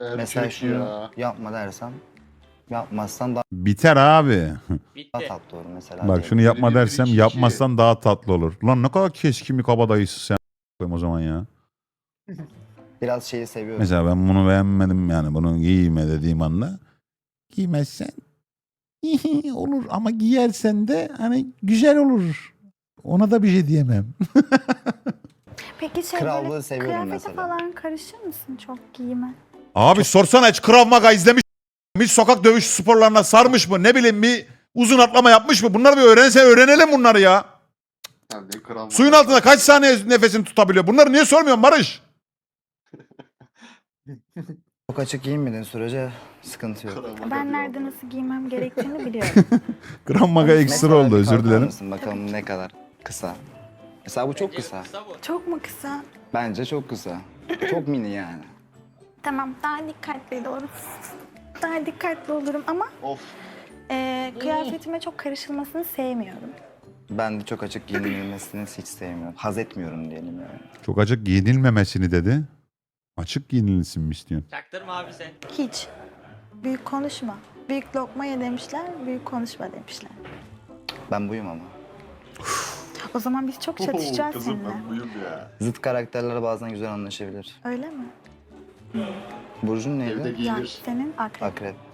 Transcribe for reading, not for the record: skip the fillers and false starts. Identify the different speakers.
Speaker 1: Mesela
Speaker 2: Erkek
Speaker 1: şunu
Speaker 2: ya.
Speaker 1: yapma dersem yapmazsan daha
Speaker 3: Biter abi.
Speaker 4: Bitti.
Speaker 1: tatlı olur mesela.
Speaker 3: Bak
Speaker 1: diyelim.
Speaker 3: şunu yapma
Speaker 2: Bir, bir,
Speaker 3: dersem
Speaker 2: iki,
Speaker 3: yapmazsan daha tatlı olur. Lan ne kadar keskin bir kabadayısı sen o zaman ya.
Speaker 1: Biraz şeyi seviyorum.
Speaker 3: Mesela ben bunu beğenmedim yani bunu giyme dediğim anda. Giymezsen olur ama giyersen de hani güzel olur. Ona da bir şey diyemem.
Speaker 5: Peki şey
Speaker 1: Krallığı
Speaker 5: böyle
Speaker 1: seviyorum
Speaker 5: kıyafete
Speaker 1: mesela.
Speaker 5: falan karışır mısın çok giyime?
Speaker 3: Abi sorsana hiç Krav Maga izlemiş mi? Hiç sokak dövüş sporlarına sarmış mı? Ne bileyim bir uzun atlama yapmış mı? Bunları bir öğrenelim bunları ya.
Speaker 2: Sen de kral
Speaker 3: Suyun altında kaç saniye nefesini tutabiliyor? Bunları niye sormuyorsun Barış?
Speaker 1: Çok açık giyinmediğin sürece sıkıntı yok.
Speaker 5: Ben nerede nasıl giymem gerektiğini biliyorum.
Speaker 3: Krav Maga ekstra
Speaker 1: Mesela
Speaker 3: oldu
Speaker 1: bir
Speaker 3: özür
Speaker 1: kalkar
Speaker 3: dilerim.
Speaker 1: mısın? Bakalım ne kadar kısa. Mesela bu çok
Speaker 4: Bence
Speaker 1: kısa.
Speaker 4: bu.
Speaker 5: Çok mu kısa?
Speaker 1: Bence çok kısa. Çok mini yani.
Speaker 5: Tamam daha dikkatli olurum. Daha dikkatli olurum ama
Speaker 2: Of.
Speaker 5: kıyafetime çok karışılmasını sevmiyorum.
Speaker 1: Ben de çok açık giyinilmesini hiç sevmiyorum. Haz etmiyorum diyelim yani.
Speaker 3: Çok açık giyinilmemesini dedi. Açık giyinilsin mi istiyorsun?
Speaker 4: Çaktırma abi sen.
Speaker 5: Hiç. Büyük konuşma. Büyük lokma ye demişler, büyük konuşma demişler.
Speaker 1: Ben buyum ama.
Speaker 5: O zaman biz çok çatışacağız
Speaker 2: Kızım
Speaker 5: seninle.
Speaker 2: ben buyum ya.
Speaker 1: Zıt karakterler bazen güzel anlaşabilir.
Speaker 5: Öyle mi?
Speaker 1: Burcun
Speaker 2: Evde
Speaker 1: neydi?
Speaker 5: Ya
Speaker 2: giyinir.
Speaker 5: senin akrep.
Speaker 1: Akrep.